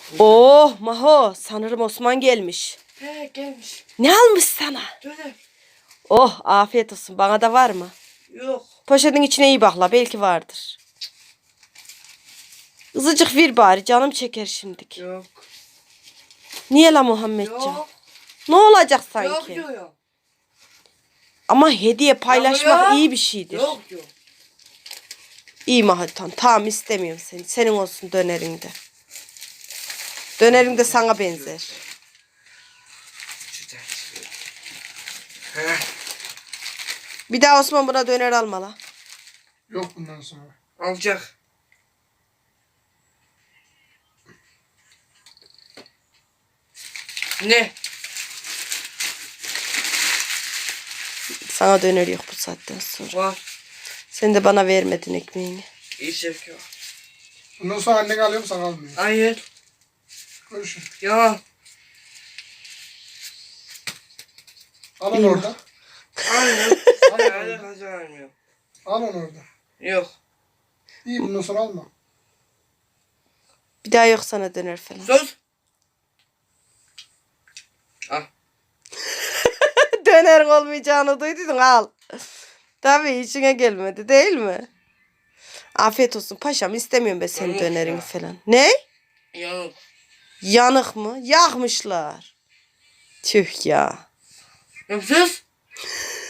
Oh Maho, sanırım Osman gelmiş. He gelmiş. Ne almış sana? Döner. Oh afiyet olsun, bana da var mı? Yok. Poşetin içine iyi bakla, belki vardır. Azıcık ver bari, canım çeker şimdik. Yok. Niye la Muhammedcan? Yok. Ne olacak Yok sanki? yok. Ama hediye paylaşmak Yok. iyi bir şeydir. Yok yok. İyi Mahaltan, tamam istemiyorum seni. Senin olsun dönerin de. Dönerin de sana benzer. He. Bir daha Osman buna döner alma la. Yok bundan sonra. Alacak. Ne? Sana döner yok bu saatten sonra. Var. Sen de bana vermedin ekmeğini. İyi şevki var. Bundan sonra annen alıyor mu sana almıyor? Hayır. Görüşün. Ya. Al onu İyi mi? orada. Hayır. Al Hayır. onu Hayır. orada. Kazanmıyor. Al onu orada. Yok. İyi bundan sonra alma. Bir daha yok sana döner falan. Sus. Al. Döner olmayacağını duyduydun al. Tabii işine gelmedi değil mi? Afiyet olsun paşam, istemiyorum ben senin Yok dönerini ya. falan. Ne? Yok. Yanık mı? Yakmışlar. Tüh ya. Yok sus.